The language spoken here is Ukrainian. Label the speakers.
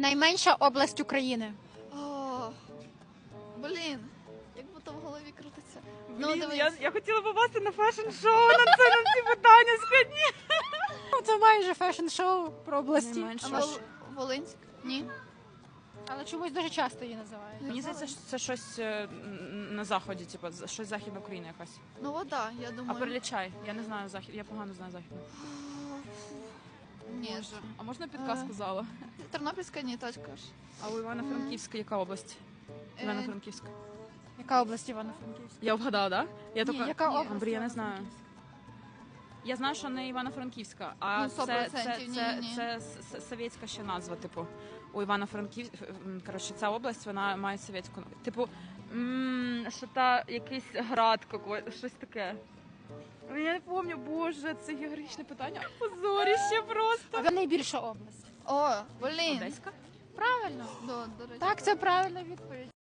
Speaker 1: Найменша область України.
Speaker 2: О, блін, як будто в голові крутиться.
Speaker 3: Блін, я хотіла попасти на фешн-шоу на ці питання складні.
Speaker 1: Це майже фешн-шоу про області.
Speaker 3: Найменша.
Speaker 2: Волинськ? Ні.
Speaker 1: Але чомусь дуже часто її називають.
Speaker 3: Мені здається, що це щось на заході, типу, щось Західна Україна якась.
Speaker 2: Ну вода, я
Speaker 3: А
Speaker 2: думаю.
Speaker 3: перелічай, я не знаю захід, я погано знаю західну.
Speaker 2: Ні.
Speaker 3: А можна підказку зала?
Speaker 2: Тернопільська ні, точка ж.
Speaker 3: А у Івано-Франківська яка область? Івано-Франківська.
Speaker 1: Яка область Івано-Франківська?
Speaker 3: Я вгадала, так? Я
Speaker 1: Ні, яка область
Speaker 3: Андрій, я не знаю.
Speaker 1: Івано-Франківська?
Speaker 3: Я знаю, що не Івано-Франківська, а
Speaker 2: Ну, 100% ні.
Speaker 3: це совєтська ще назва, типу. У Івано-Франківська, коротше, ця область, вона має совєтську, типу, що та якийсь град, щось таке. Я не пам'ятаю, боже, це географічне питання. Позоріще просто.
Speaker 1: А найбільша область?
Speaker 2: О, блін.
Speaker 3: Одеська?
Speaker 1: Правильно.
Speaker 2: До речі.
Speaker 1: Так, це правильна відповідь.